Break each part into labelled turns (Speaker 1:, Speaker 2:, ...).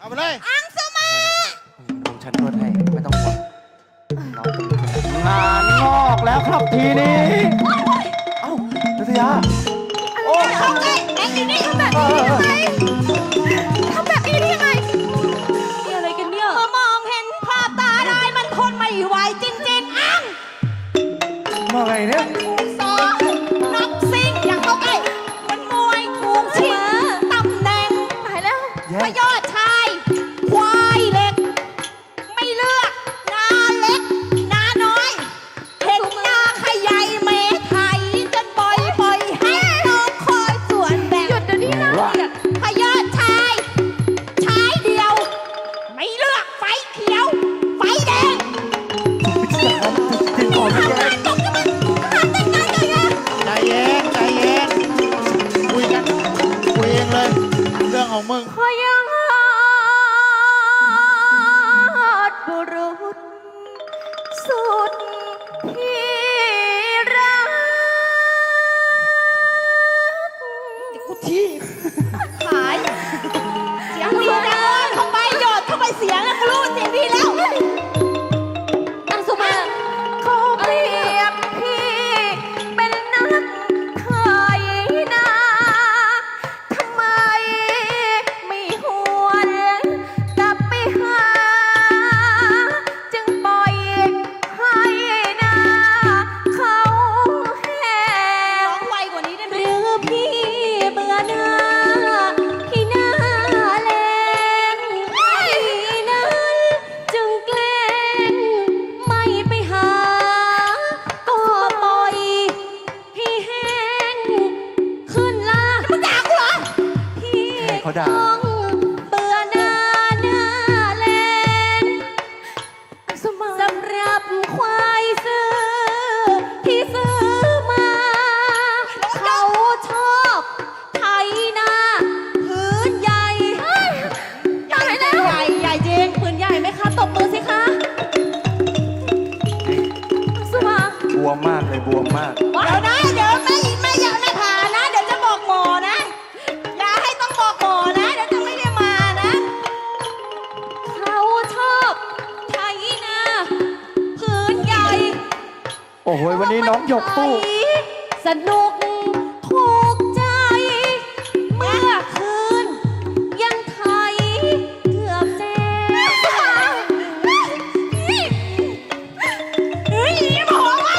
Speaker 1: เอาไปเลย
Speaker 2: อังสุมา
Speaker 3: ผมฉันนวดให้ไม่ต้องห่วงงานงอกแล้วครับทีนี้เอ้านัทยาโอ้
Speaker 2: ทำไงแองอยู่นี่ทำแบบนี้ได้ยังไงทำแบบนี้ได้ยังไงนี่อะไรกันเนี่ยมองเห็นภาพตาได้มันทนไม่ไหวจริงๆอัง
Speaker 3: มาไงเนี่ย
Speaker 2: สองนักซิ่งอย่าเข้าใกล้มันมวยถูกชิงตำแหน่งตายแล้วพยอดชายควายเล็ก ไม่เลือกนาเล็กนาน้อยเห็นนาขยายเมไทยจนปล่อยให้น้องคอยสวนแบบหยุดเดี๋ยวนี้นะพยอดชายชายเดียว ไม่เลือกไฟเขียว ไฟแดง
Speaker 3: กินก่อนไม่แย่
Speaker 2: ตกจะมันขาดได้ไงเลยอะ
Speaker 1: ใจเย็นใจเย็นคุยกันคุยเองเลย เรื่องของมึง
Speaker 2: พยอดบุรุษสุดที่รักกูทีหายเสียงดีนะเข้าไปหยอดเข้าไปเสียงแล้วกูรู้เสียงดีแล้วอังสุมาเขาเปรียบพี่เป็นนักไถนาทำไมไม่หวนกลับไปหา จึงปล่อยให้นาเขาแห้งร้องไวกว่านี้ได้ไหมหรือพี่เบื่อหน้าที่หน้าแลงพี่นั้นจึงแกล้งไม่ไปหา ก็ปล่อยให้แห้งขึ้นลามึงด่ากูเหรอพี่
Speaker 3: เขาด่า
Speaker 2: ต้องเบื่อหน้าแลง สำหรับควายซื้อที่ซื้อมา เขาชอบไถนาพื้นใหญ่ใหญ่แล้วใหญ่ใหญ่จริงพื้นใหญ่ไหมคะตบมือสิคะสุมา
Speaker 3: บวมมากเลยบวมมาก
Speaker 2: เดี๋ยวนะเดี๋ยวไม่อยากนะผ่านะ เดี๋ยวจะบอกหมอนะ อย่าให้ต้องบอกหมอนะ เดี๋ยวจะไม่ได้มานะ เขาชอบไถนาพื้นใหญ่
Speaker 3: โอ้โหวันนี้น้องหยกสู้
Speaker 2: สนุกถูกใจ เมื่อคืน ยังไทยเกือบแจ้งเฮ้ยบอกไว้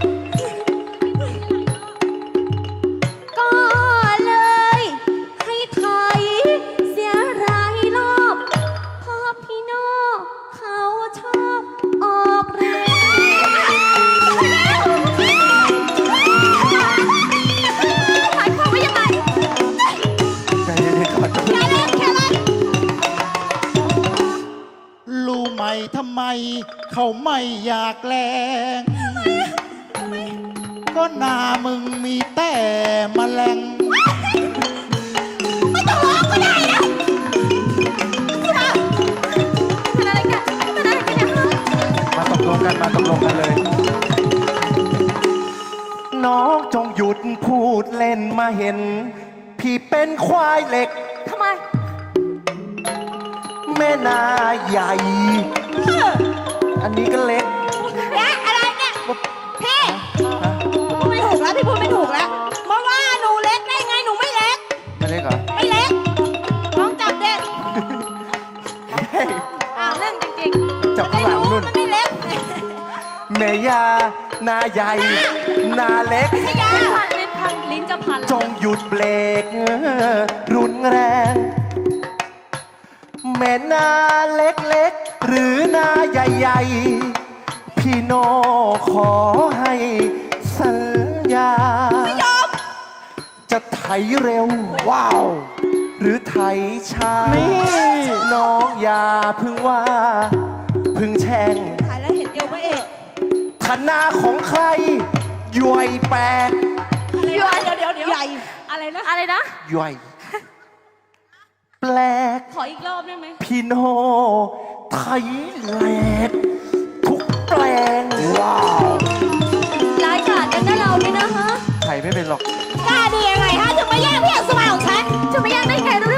Speaker 2: ก็เลยให้ไทยเสียหลายรอบเพราะพี่โน่เขาชอบออกแรงหมายความว่ายังไง
Speaker 3: ใจเย็นๆก่อน
Speaker 2: แค่เล่นแค่เล่น
Speaker 1: รู้ไหมทำไม เขาไม่อยากแลงก็หน้ามึงมีแต่แมลง
Speaker 2: ไม่ต้องร้องก็ได้นะเป็นอะไรกันเป็นอะไรกันเนี่ย
Speaker 3: มาตกลงกันมาตกลงกันเลย น้องจงหยุดพูดเล่นมาเห็น พี่เป็นควายเหล็ก
Speaker 2: ทำไม
Speaker 3: แม่นาใหญ่ อันนี้ก็เล็ก
Speaker 2: เนี่ยอะไรเนี่ยพี่พูดไม่ถูกแล้วพี่พูดไม่ถูกแล้วมาว่าหนูเล็กได้ไงหนูไม่เล็ก
Speaker 3: ไม่เล็กเหรอ
Speaker 2: ไม่เล็กน้องจับเด็กเล่นจริงๆ
Speaker 3: จับข้างหลังนู่น
Speaker 2: มันไม่เล็ก
Speaker 3: แม่ยานาใหญ่ นาเล็ก
Speaker 2: ไม่ยาลิ้นจะพัน
Speaker 3: จงหยุดเบรกรุนแรง แม่นาเล็กๆ หรือนาใหญ่ๆ พี่โนขอให้สัญญา
Speaker 2: ไม่ยอม
Speaker 3: จะไถเร็ว ว้าว หรือไถช้า น้องอย่าพึ่งว่า พึ่งแช่ง
Speaker 2: ถ่ายแล้วเห็นเอวพระเอก
Speaker 3: ธนาของใครย่อยแปลก
Speaker 2: เดี๋ยวใหญ่อะไรนะอะไรนะ
Speaker 3: ย่อย แปลก
Speaker 2: ขออีกรอบได้ไหม
Speaker 3: พี่โนไทยแหลกทุกแปลง ว้าว
Speaker 2: ร้ายกาจกันนะเรานี่นะฮะ
Speaker 3: ไทยไม่เป็นหรอก
Speaker 2: กล้าดียังไงฮะถึงมาแย่งพี่อังสุมาของฉันจะมาแย่งได้ไงรู้